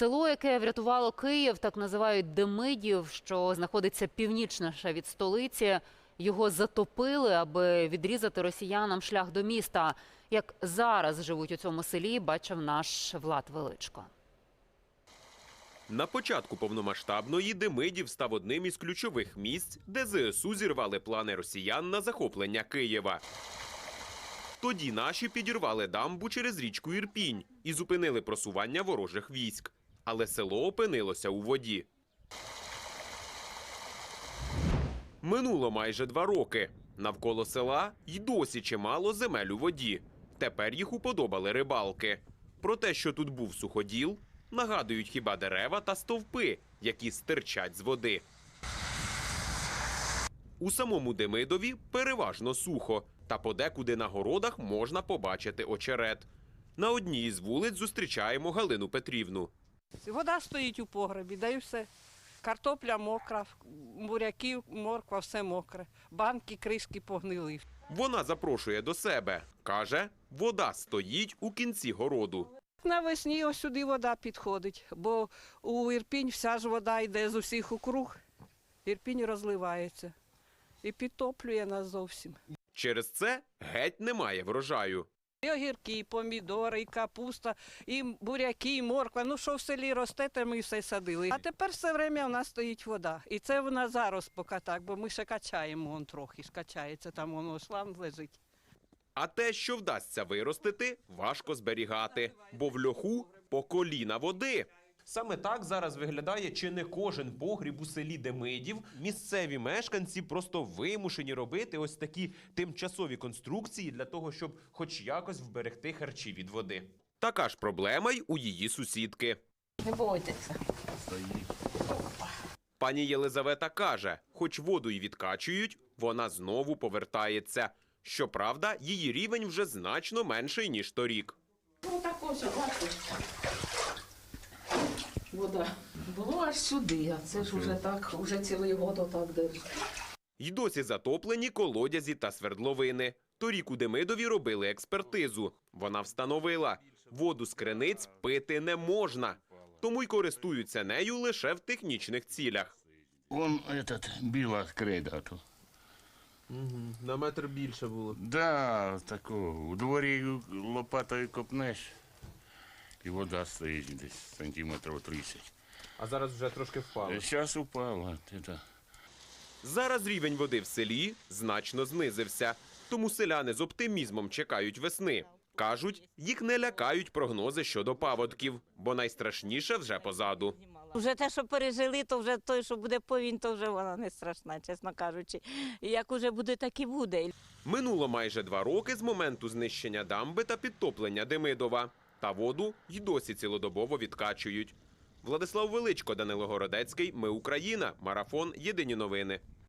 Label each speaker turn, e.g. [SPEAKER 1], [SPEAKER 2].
[SPEAKER 1] Село, яке врятувало Київ, так називають Демидів, що знаходиться північніше від столиці. Його затопили, аби відрізати росіянам шлях до міста. Як зараз живуть у цьому селі, бачив наш Влад Величко.
[SPEAKER 2] На початку повномасштабної Демидів став одним із ключових місць, де ЗСУ зірвали плани росіян на захоплення Києва. Тоді наші підірвали дамбу через річку Ірпінь і зупинили просування ворожих військ. Але село опинилося у воді. Минуло майже 2 роки. Навколо села й досі чимало земель у воді. Тепер їх уподобали рибалки. Про те, що тут був суходіл, нагадують хіба дерева та стовпи, які стирчать з води. У самому Демидові переважно сухо, та подекуди на городах можна побачити очерет. На одній із вулиць зустрічаємо Галину Петрівну.
[SPEAKER 3] Вода стоїть у погребі, да і все. Картопля мокра, буряки, морква, все мокре. Банки, кришки погнили.
[SPEAKER 2] Вона запрошує до себе. Каже, вода стоїть у кінці городу.
[SPEAKER 3] Навесні ось сюди вода підходить, бо у Ірпінь вся ж вода йде з усіх округ. Ірпінь розливається і підтоплює нас зовсім.
[SPEAKER 2] Через це геть немає врожаю.
[SPEAKER 3] І огірки, і помідори, і капуста, і буряки, і морква. Ну, що в селі росте, те ми все садили. А тепер все время у нас стоїть вода. І це вона зараз поки так, бо ми ще качаємо, вон трохи ж качається, там воно шланг лежить.
[SPEAKER 2] А те, що вдасться виростити, важко зберігати, бо в льоху по коліна води. Саме так зараз виглядає чи не кожен погріб у селі Демидів. Місцеві мешканці просто вимушені робити ось такі тимчасові конструкції для того, щоб хоч якось вберегти харчі від води. Така ж проблема й у її сусідки.
[SPEAKER 4] Не бойтеся.
[SPEAKER 2] Пані Єлизавета каже, хоч воду й відкачують, вона знову повертається. Щоправда, її рівень вже значно менший, ніж торік.
[SPEAKER 4] Ну так ось, бачиш. Вода. Було аж сюди, а це ж уже так, уже цілий год отак держить.
[SPEAKER 2] Й досі затоплені колодязі та свердловини. Торік у Демидові робили експертизу. Вона встановила, воду з криниць пити не можна, тому й користуються нею лише в технічних цілях.
[SPEAKER 5] Вон біла крейда тут.
[SPEAKER 2] На метр більше було.
[SPEAKER 5] Да, такого. У дворі лопатою копнеш, і вода стоїть десь сантиметрів 30.
[SPEAKER 2] А зараз вже трошки впало.
[SPEAKER 5] Зараз упала.
[SPEAKER 2] Зараз рівень води в селі значно знизився, тому селяни з оптимізмом чекають весни. Кажуть, їх не лякають прогнози щодо паводків, бо найстрашніше вже позаду.
[SPEAKER 6] Вже те, що пережили, то вже той, що буде повінь, то вже вона не страшна, чесно кажучи. І як уже буде, так і буде.
[SPEAKER 2] Минуло майже 2 роки з моменту знищення дамби та підтоплення Демидова. Та воду й досі цілодобово відкачують. Владислав Величко, Данило Городецький. Ми Україна. Марафон. Єдині новини.